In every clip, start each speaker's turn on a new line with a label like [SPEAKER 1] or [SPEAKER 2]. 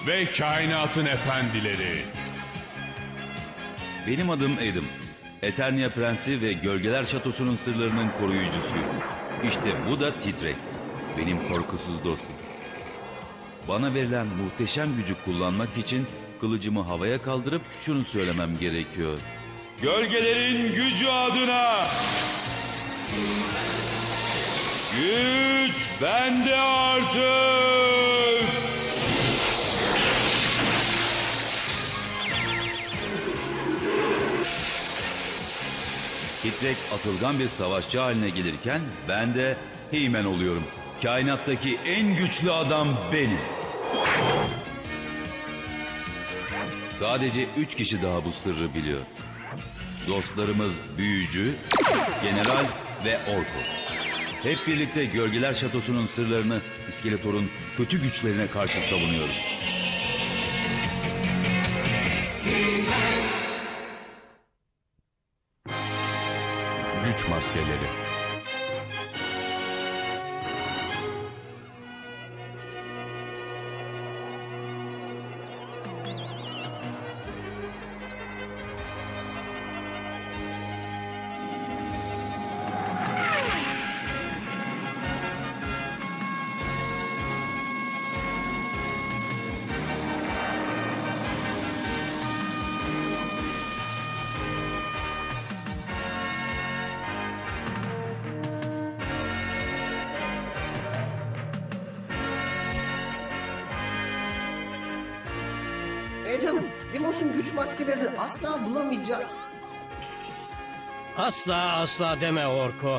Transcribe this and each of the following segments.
[SPEAKER 1] ve kainatın efendileri.
[SPEAKER 2] Benim adım Adam. Eternia Prensi ve Gölgeler Şatosu'nun sırlarının koruyucusuyum. İşte bu da Titrek. Benim korkusuz dostum. Bana verilen muhteşem gücü kullanmak için kılıcımı havaya kaldırıp şunu söylemem gerekiyor. Gölgelerin gücü adına! Güç bende artık! Titrek atılgan bir savaşçı haline gelirken ben de He-Man oluyorum. Kainattaki en güçlü adam benim. Sadece 3 kişi daha bu sırrı biliyor. Dostlarımız Büyücü, General ve Orko. Hep birlikte Gölgeler Şatosu'nun sırlarını İskeletor'un kötü güçlerine karşı savunuyoruz.
[SPEAKER 1] Güç maskeleri.
[SPEAKER 3] Adam, Dimos'un güç maskelerini asla bulamayacağız.
[SPEAKER 4] Asla deme Orko.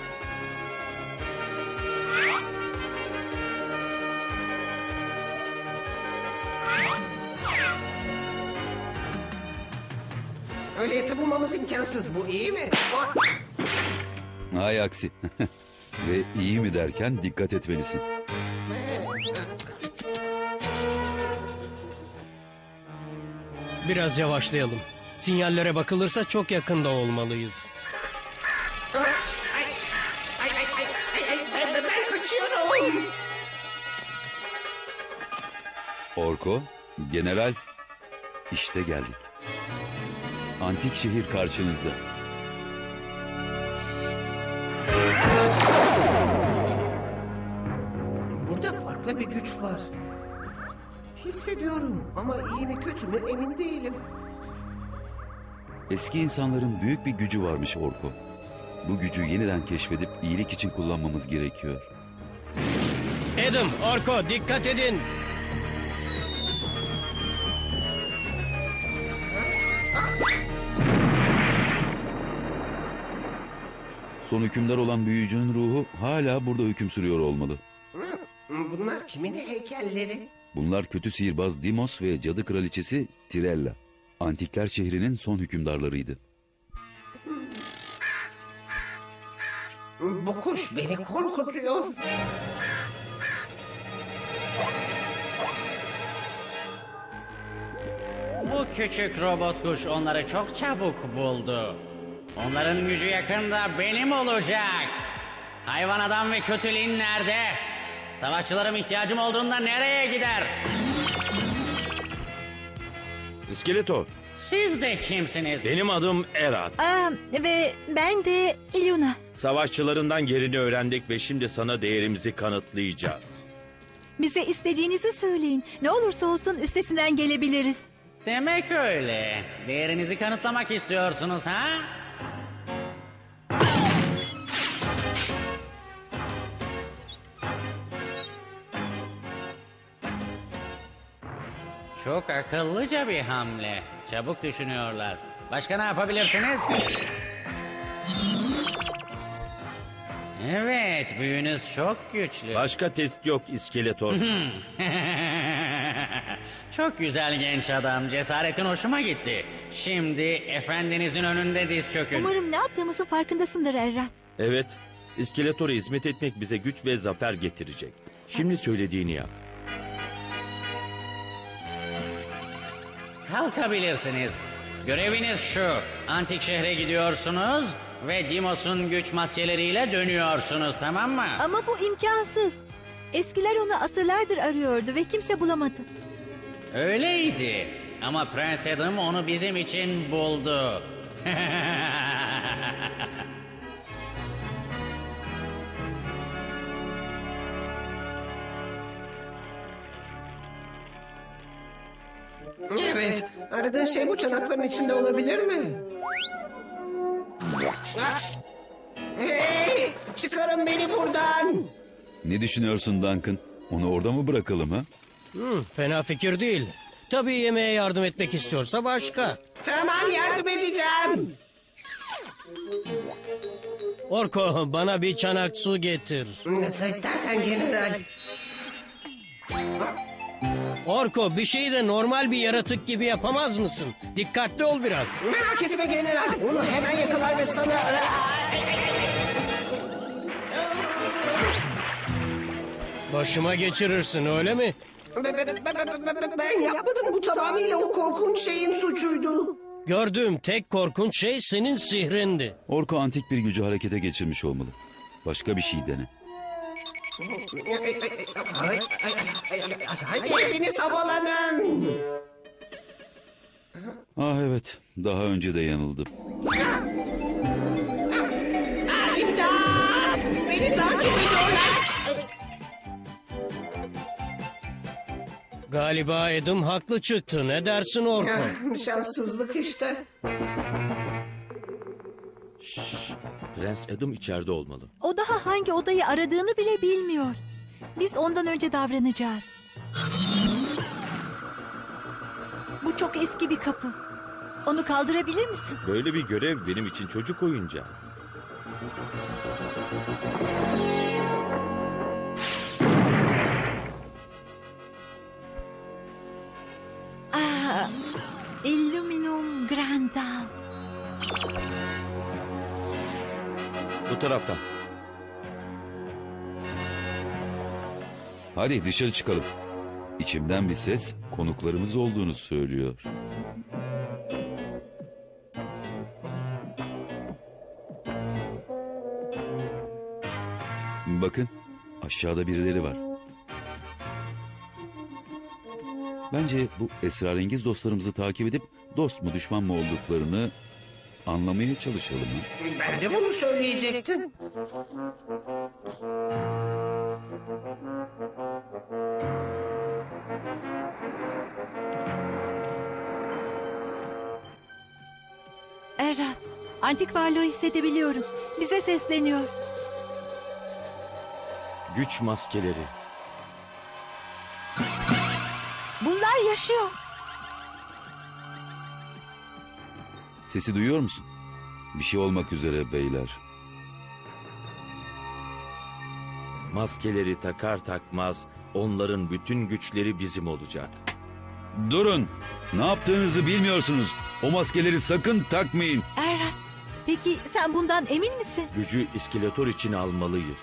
[SPEAKER 3] Öyleyse bulmamız imkansız. Bu iyi mi?
[SPEAKER 2] Hay aksi. Ve iyi mi derken dikkat etmelisin.
[SPEAKER 4] Biraz yavaşlayalım. Sinyallere bakılırsa çok yakında olmalıyız.
[SPEAKER 3] Ben kaçıyorum.
[SPEAKER 2] Orko, General, işte geldik. Antik şehir karşınızda.
[SPEAKER 3] Burada farklı bir güç var. Hissediyorum ama iyi mi kötü mü emin değilim.
[SPEAKER 2] Eski insanların büyük bir gücü varmış Orko. Bu gücü yeniden keşfedip iyilik için kullanmamız gerekiyor.
[SPEAKER 4] Adam, Orko dikkat edin.
[SPEAKER 2] Son hükümdar olan büyücünün ruhu hala burada hüküm sürüyor olmalı.
[SPEAKER 3] Bunlar kimin heykelleri?
[SPEAKER 2] Bunlar kötü sihirbaz Dimos ve cadı kraliçesi Tirella. Antikler şehrinin son hükümdarlarıydı.
[SPEAKER 3] Bu kuş beni korkutuyor.
[SPEAKER 5] Bu küçük robot kuş onları çok çabuk buldu. Onların gücü yakında benim olacak. Hayvan adam ve kötülüğün nerede? Savaşçılarım ihtiyacım olduğunda nereye gider?
[SPEAKER 6] İskeletor,
[SPEAKER 5] Siz de kimsiniz?
[SPEAKER 6] benim adım Erat.
[SPEAKER 7] Ve ben de Luna.
[SPEAKER 6] Savaşçılarından yerini öğrendik ve şimdi sana değerimizi kanıtlayacağız.
[SPEAKER 7] Bize istediğinizi söyleyin. Ne olursa olsun üstesinden gelebiliriz.
[SPEAKER 5] Demek öyle. Değerinizi kanıtlamak istiyorsunuz ha? Çok akıllıca bir hamle. Çabuk düşünüyorlar. Başka ne yapabilirsiniz? Evet, büyünüz çok güçlü.
[SPEAKER 6] Başka test yok İskeletor.
[SPEAKER 5] Çok güzel genç adam. Cesaretin hoşuma gitti. Şimdi efendinizin önünde diz çökün.
[SPEAKER 7] Umarım ne yaptığımızın farkındasındır Errat.
[SPEAKER 6] Evet, İskeletor'a hizmet etmek bize güç ve zafer getirecek. Şimdi söylediğini yap.
[SPEAKER 5] Kalkabilirsiniz. Göreviniz şu. Antik şehre gidiyorsunuz ve Dimos'un güç maskeleriyle dönüyorsunuz, tamam mı?
[SPEAKER 7] Ama bu imkansız. Eskiler onu asırlardır arıyordu ve kimse bulamadı.
[SPEAKER 5] Öyleydi. Ama Prens Adam onu bizim için buldu.
[SPEAKER 3] Evet. Aradığın şey bu çanakların içinde olabilir mi? Hey! Çıkarın beni buradan!
[SPEAKER 2] Ne düşünüyorsun Duncan? Onu orada mı bırakalım ha?
[SPEAKER 4] Fena fikir değil. Tabii yemeğe yardım etmek istiyorsa başka.
[SPEAKER 3] Tamam, yardım edeceğim.
[SPEAKER 4] Orko, bana bir çanak su getir.
[SPEAKER 3] Nasıl istersen general.
[SPEAKER 4] Orko, bir şeyi de normal bir yaratık gibi yapamaz mısın? Dikkatli ol biraz.
[SPEAKER 3] Merak etme general. Onu hemen yakalar ve sana...
[SPEAKER 4] Başıma geçirirsin, öyle mi?
[SPEAKER 3] Ben yapmadım. Bu tamamıyla o korkunç şeyin suçuydu.
[SPEAKER 4] Gördüğüm tek korkunç şey senin sihrindi.
[SPEAKER 2] Orko antik bir gücü harekete geçirmiş olmalı. Başka bir şey dene.
[SPEAKER 3] Hadi hepiniz havalanın.
[SPEAKER 2] Ah evet, daha önce de yanıldım.
[SPEAKER 3] İmdat! Beni takip ediyorlar.
[SPEAKER 4] Galiba Adam haklı çıktı. Ne dersin Orko?
[SPEAKER 3] Şanssızlık işte.
[SPEAKER 6] Prens Adam içeride olmalı.
[SPEAKER 7] O daha hangi odayı aradığını bile bilmiyor. Biz ondan önce davranacağız. Bu çok eski bir kapı. Onu kaldırabilir misin?
[SPEAKER 6] Böyle bir görev benim için çocuk oyuncağı.
[SPEAKER 7] Illuminum Grandal.
[SPEAKER 6] Bu taraftan.
[SPEAKER 2] Hadi dışarı çıkalım. İçimden bir ses konuklarımız olduğunu söylüyor. Bakın, aşağıda birileri var. Bence bu esrarengiz dostlarımızı takip edip dost mu düşman mı olduklarını anlamaya çalışalım. Ha?
[SPEAKER 3] Ben de bunu söyleyecektim.
[SPEAKER 7] Errat, antik varlığı hissedebiliyorum. Bize sesleniyor.
[SPEAKER 6] Güç maskeleri.
[SPEAKER 7] Bunlar yaşıyor.
[SPEAKER 2] Sesi duyuyor musun? Bir şey olmak üzere beyler.
[SPEAKER 6] Maskeleri takar takmaz onların bütün güçleri bizim olacak.
[SPEAKER 2] Durun! Ne yaptığınızı bilmiyorsunuz. O maskeleri sakın takmayın.
[SPEAKER 7] Errat, peki sen bundan emin misin?
[SPEAKER 6] Gücü iskeletor için almalıyız.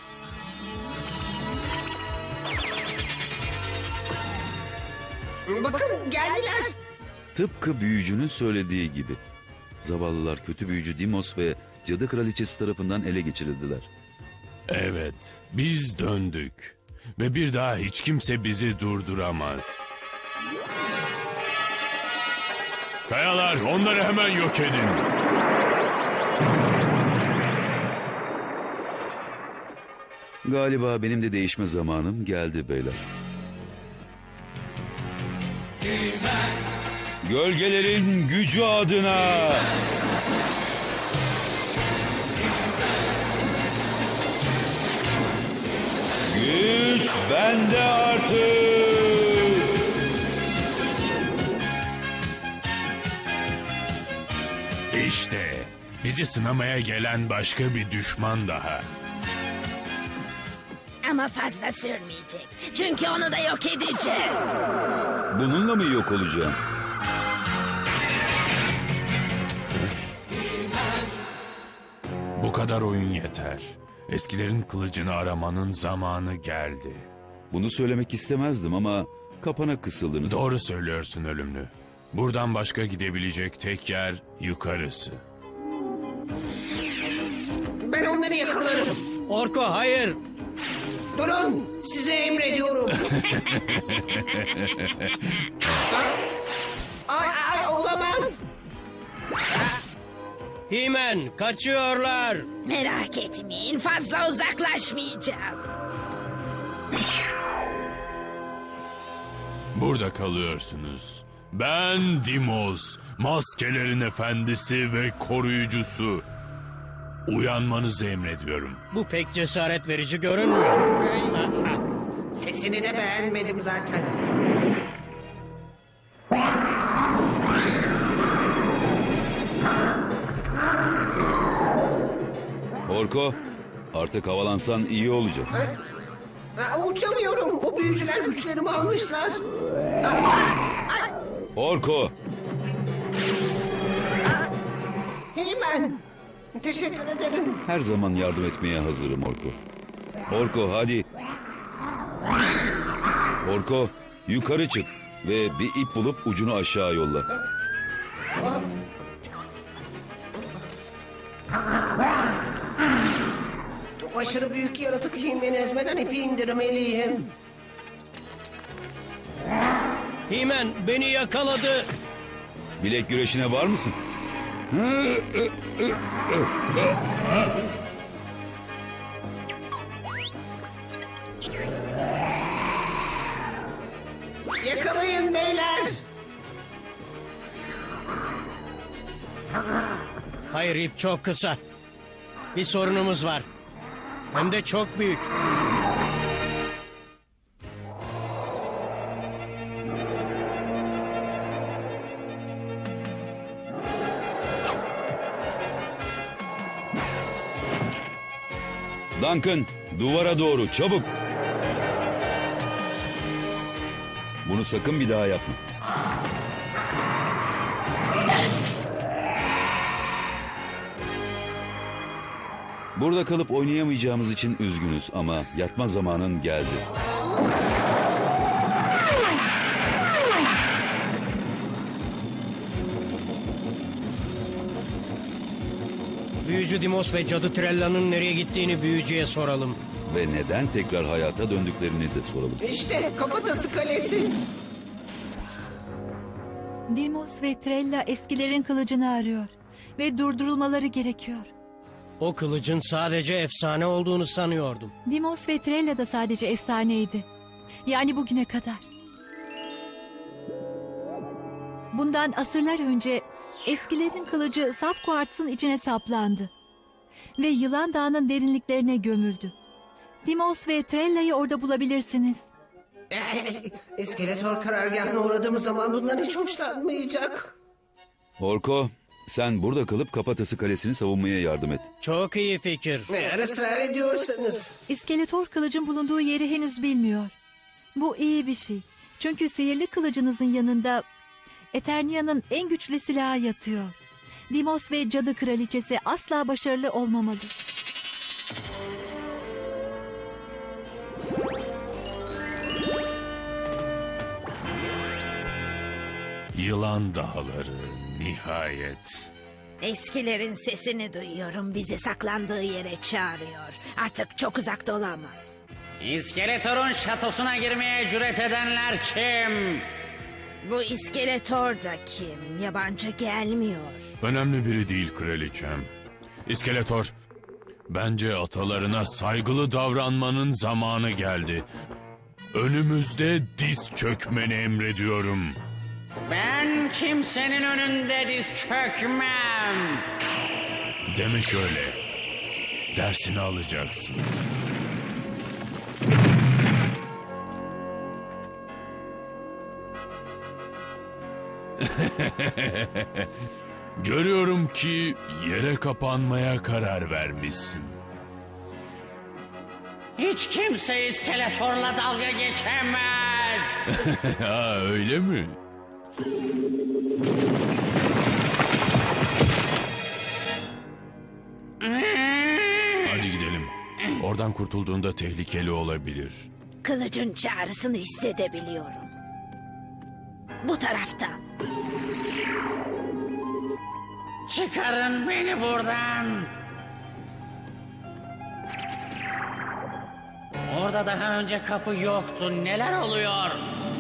[SPEAKER 3] Bakın geldiler.
[SPEAKER 2] Tıpkı büyücünün söylediği gibi. Zavallılar kötü büyücü Dimos ve Cadı Kraliçesi tarafından ele geçirildiler.
[SPEAKER 1] Evet, biz döndük. Ve bir daha hiç kimse bizi durduramaz. Kayalar, onları hemen yok edin.
[SPEAKER 2] Galiba benim de değişme zamanım geldi beyler. Gölgelerin gücü adına. Güç bende artık.
[SPEAKER 1] İşte bizi sınamaya gelen başka bir düşman daha.
[SPEAKER 8] Ama fazla sürmeyecek. Çünkü onu da yok edeceğiz.
[SPEAKER 2] Bununla mı yok olacağım?
[SPEAKER 1] Bu kadar oyun yeter. Eskilerin kılıcını aramanın zamanı geldi.
[SPEAKER 2] Bunu söylemek istemezdim ama kapana kısıldınız.
[SPEAKER 1] Doğru söylüyorsun ölümlü. Buradan başka gidebilecek tek yer yukarısı.
[SPEAKER 3] Ben onları yakalarım.
[SPEAKER 4] Orko, hayır.
[SPEAKER 3] Durun, size emrediyorum. Ay, olamaz.
[SPEAKER 4] Himen kaçıyorlar.
[SPEAKER 8] Merak etmeyin, fazla uzaklaşmayacağız.
[SPEAKER 1] Burada kalıyorsunuz. Ben Dimos, maskelerin efendisi ve koruyucusu. Uyanmanızı emrediyorum.
[SPEAKER 4] Bu pek cesaret verici görünmüyor.
[SPEAKER 3] Sesini de beğenmedim zaten.
[SPEAKER 2] Orko, artık havalansan iyi olacak.
[SPEAKER 3] Uçamıyorum. O büyücüler güçlerimi almışlar.
[SPEAKER 2] Orko,
[SPEAKER 3] Hemen. Teşekkür ederim.
[SPEAKER 2] her zaman yardım etmeye hazırım Orko. Orko hadi. Orko, yukarı çık ve bir ip bulup ucunu aşağı yolla.
[SPEAKER 3] O aşırı büyük yaratık Himen'i ezmeden ipi indirmeliyim.
[SPEAKER 4] Himen beni yakaladı.
[SPEAKER 2] Bilek güreşine var mısın?
[SPEAKER 3] Yakalayın beyler.
[SPEAKER 4] Hayır, ip çok kısa. Bir sorunumuz var. Hem de çok büyük.
[SPEAKER 2] Duncan, duvara doğru çabuk. Bunu sakın bir daha yapma. Burada kalıp oynayamayacağımız için üzgünüz ama yatma zamanın geldi.
[SPEAKER 4] Büyücü Dimos ve Cadı Trella'nın nereye gittiğini büyücüye soralım.
[SPEAKER 2] Ve neden tekrar hayata döndüklerini de soralım.
[SPEAKER 3] İşte Kafatası Kalesi.
[SPEAKER 7] Dimos ve Trella eskilerin kılıcını arıyor. Ve durdurulmaları gerekiyor.
[SPEAKER 4] O kılıcın sadece efsane olduğunu sanıyordum.
[SPEAKER 7] Dimos ve Trella da sadece efsaneydi. Yani bugüne kadar. Bundan asırlar önce eskilerin kılıcı saf kuartsın içine saplandı. Ve Yılan Dağı'nın derinliklerine gömüldü. Dimos ve Trella'yı orada bulabilirsiniz.
[SPEAKER 3] İskeletor karargahına uğradığımız zaman bundan hiç hoşlanmayacak.
[SPEAKER 2] Orko, sen burada kalıp Kafatası Kalesi'ni savunmaya yardım et.
[SPEAKER 4] Çok iyi fikir.
[SPEAKER 3] Eğer ısrar ediyorsanız.
[SPEAKER 7] İskeletor kılıcın bulunduğu yeri henüz bilmiyor. Bu iyi bir şey. Çünkü sihirli kılıcınızın yanında Eternia'nın en güçlü silahı yatıyor. Dimos ve Cadı Kraliçesi asla başarılı olmamalı.
[SPEAKER 1] Yılan dağları nihayet.
[SPEAKER 8] Eskilerin sesini duyuyorum. Bizi saklandığı yere çağırıyor. Artık çok uzakta olamaz.
[SPEAKER 5] İskeletor'un şatosuna girmeye cüret edenler kim?
[SPEAKER 8] Bu iskeletor da kim? Yabancı gelmiyor.
[SPEAKER 1] Önemli biri değil kraliçem. İskeletor, bence atalarına saygılı davranmanın zamanı geldi. Önümüzde diz çökmeni emrediyorum.
[SPEAKER 5] Ben kimsenin önünde diz çökmem.
[SPEAKER 1] Demek öyle. Dersini alacaksın. Görüyorum ki yere kapanmaya karar vermişsin.
[SPEAKER 5] Hiç kimse iskeletorla dalga geçemez.
[SPEAKER 1] Ha, öyle mi? Hadi gidelim. Oradan kurtulduğunda tehlikeli olabilir.
[SPEAKER 8] Kılıcın çağrısını hissedebiliyorum. Bu taraftan.
[SPEAKER 5] Çıkarın beni buradan. Orada daha önce kapı yoktu. Neler oluyor?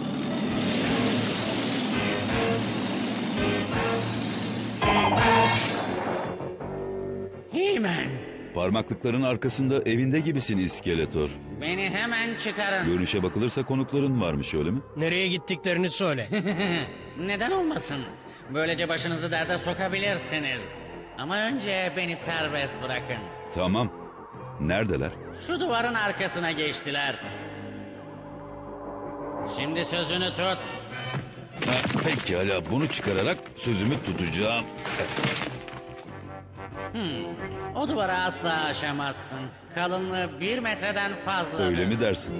[SPEAKER 5] He-Man,
[SPEAKER 2] Parmaklıkların arkasında evinde gibisin İskeletor.
[SPEAKER 5] beni hemen çıkarın.
[SPEAKER 2] Görünüşe bakılırsa konukların varmış öyle mi?
[SPEAKER 4] Nereye gittiklerini söyle.
[SPEAKER 5] Neden olmasın? Böylece başınızı derde sokabilirsiniz. Ama önce beni serbest bırakın.
[SPEAKER 2] Tamam. Neredeler?
[SPEAKER 5] Şu duvarın arkasına geçtiler. Şimdi sözünü tut.
[SPEAKER 2] Pekala, bunu çıkararak sözümü tutacağım.
[SPEAKER 5] O duvara asla aşamazsın. Kalınlığı 1 metreden fazla.
[SPEAKER 2] Öyle mi dersin?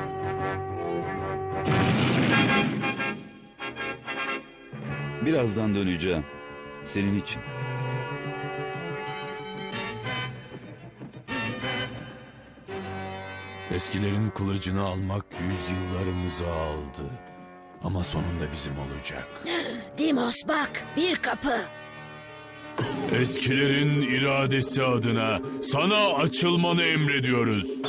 [SPEAKER 2] Birazdan döneceğim. Senin için.
[SPEAKER 1] Eskilerin kılıcını almak yüzyıllarımızı aldı. Ama sonunda bizim olacak.
[SPEAKER 8] Dimos bak, bir kapı.
[SPEAKER 1] Eskilerin iradesi adına sana açılmanı emrediyoruz.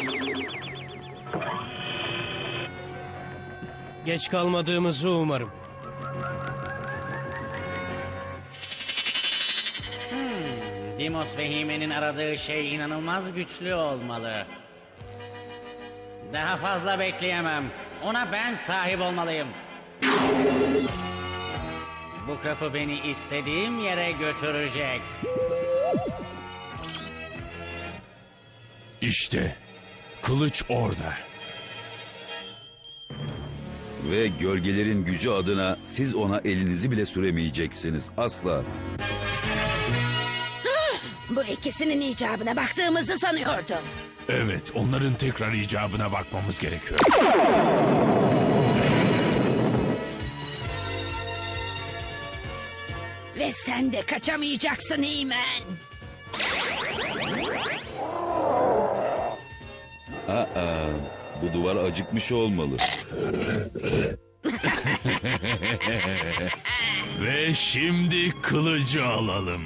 [SPEAKER 4] Geç kalmadığımızı umarım.
[SPEAKER 5] Dimos ve He-Man'in aradığı şey inanılmaz güçlü olmalı. Daha fazla bekleyemem. Ona ben sahip olmalıyım. Bu kapı beni istediğim yere götürecek.
[SPEAKER 1] İşte kılıç orada.
[SPEAKER 2] Ve gölgelerin gücü adına siz ona elinizi bile süremeyeceksiniz. Asla.
[SPEAKER 8] Bu ikisinin icabına baktığımızı sanıyordum.
[SPEAKER 1] Evet, onların tekrar icabına bakmamız gerekiyor.
[SPEAKER 8] Ve sen de kaçamayacaksın He-Man.
[SPEAKER 2] Bu duvar acıkmış olmalı.
[SPEAKER 1] Ve şimdi kılıcı alalım.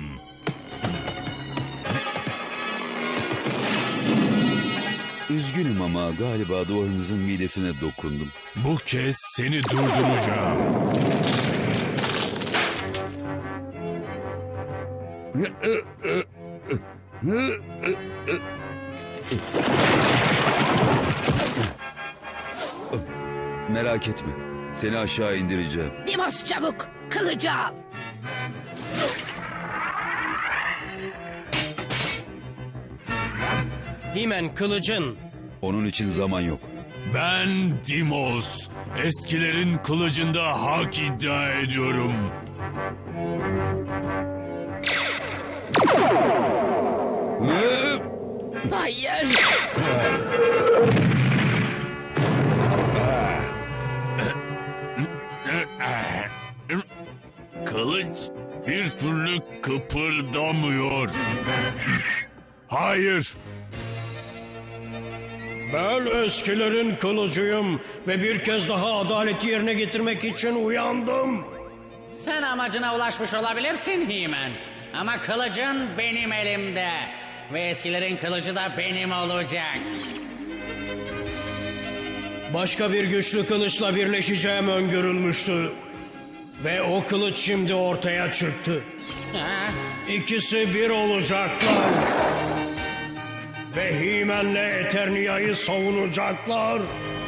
[SPEAKER 2] Üzgünüm ama galiba duvarınızın midesine dokundum.
[SPEAKER 1] Bu kez seni durduracağım.
[SPEAKER 2] Merak etme. Seni aşağı indireceğim.
[SPEAKER 8] Dimos çabuk, kılıcı al.
[SPEAKER 4] He-Man kılıcın.
[SPEAKER 2] Onun için zaman yok.
[SPEAKER 1] Ben Dimos. Eskilerin kılıcında hak iddia ediyorum.
[SPEAKER 8] Hayır.
[SPEAKER 1] Kılıç bir türlü kıpırdamıyor. Hayır.
[SPEAKER 4] Ben eskilerin kılıcıyım ve bir kez daha adaleti yerine getirmek için uyandım.
[SPEAKER 5] Sen amacına ulaşmış olabilirsin He-Man. Ama kılıcın benim elimde. Ve eskilerin kılıcı da benim olacak.
[SPEAKER 4] Başka bir güçlü kılıçla birleşeceğim öngörülmüştü. Ve o kılıç şimdi ortaya çıktı.
[SPEAKER 5] Ha?
[SPEAKER 4] İkisi bir olacaklar. Ve He-Man'le Eternia'yı savunacaklar.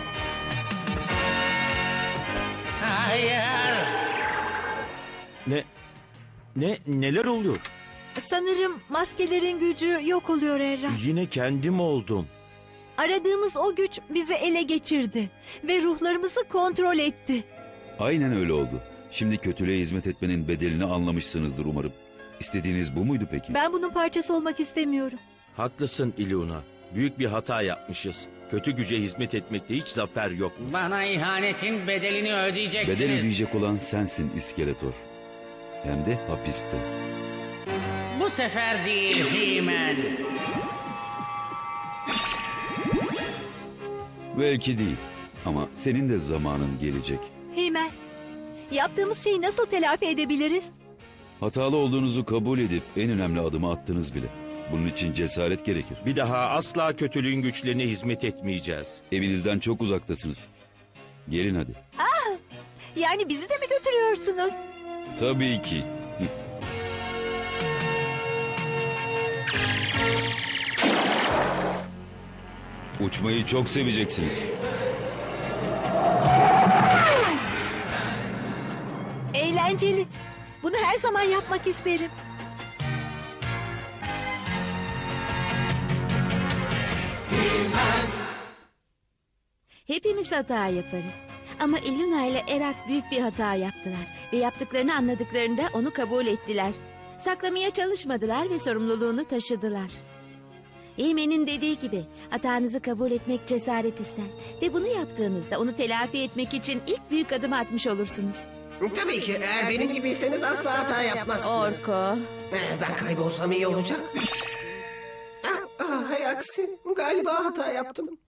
[SPEAKER 5] Hayır.
[SPEAKER 6] Neler oluyor?
[SPEAKER 7] Sanırım maskelerin gücü yok oluyor Erra.
[SPEAKER 6] Yine kendim oldum.
[SPEAKER 7] Aradığımız o güç bizi ele geçirdi ve ruhlarımızı kontrol etti.
[SPEAKER 2] Aynen öyle oldu. Şimdi kötülüğe hizmet etmenin bedelini anlamışsınızdır umarım. İstediğiniz bu muydu peki?
[SPEAKER 7] Ben bunun parçası olmak istemiyorum.
[SPEAKER 6] Haklısın Iluna. Büyük bir hata yapmışız. Kötü güce hizmet etmekte hiç zafer yok.
[SPEAKER 5] Bana ihanetin bedelini ödeyeceksiniz.
[SPEAKER 2] Bedel ödeyecek olan sensin İskeletor. Hem de hapiste.
[SPEAKER 5] Bu sefer değil He-Man.
[SPEAKER 2] Belki değil. Ama senin de zamanın gelecek.
[SPEAKER 7] He-Man, yaptığımız şeyi nasıl telafi edebiliriz?
[SPEAKER 2] Hatalı olduğunuzu kabul edip en önemli adımı attınız bile. Bunun için cesaret gerekir.
[SPEAKER 6] Bir daha asla kötülüğün güçlerine hizmet etmeyeceğiz.
[SPEAKER 2] Evinizden çok uzaktasınız. Gelin hadi.
[SPEAKER 7] Yani bizi de mi götürüyorsunuz?
[SPEAKER 2] Tabii ki. Uçmayı çok seveceksiniz.
[SPEAKER 7] Eğlenceli. Bunu her zaman yapmak isterim.
[SPEAKER 9] Hepimiz hata yaparız. Ama Iluna ile Erat büyük bir hata yaptılar. Ve yaptıklarını anladıklarında onu kabul ettiler. Saklamaya çalışmadılar ve sorumluluğunu taşıdılar. Eymen'in dediği gibi hatanızı kabul etmek cesaret ister. Ve bunu yaptığınızda onu telafi etmek için ilk büyük adımı atmış olursunuz.
[SPEAKER 3] Tabii ki eğer benim gibiyseniz asla hata yapmazsınız.
[SPEAKER 9] Orko.
[SPEAKER 3] Ben kaybolsam iyi olacak. Hay aksi galiba hata yaptım.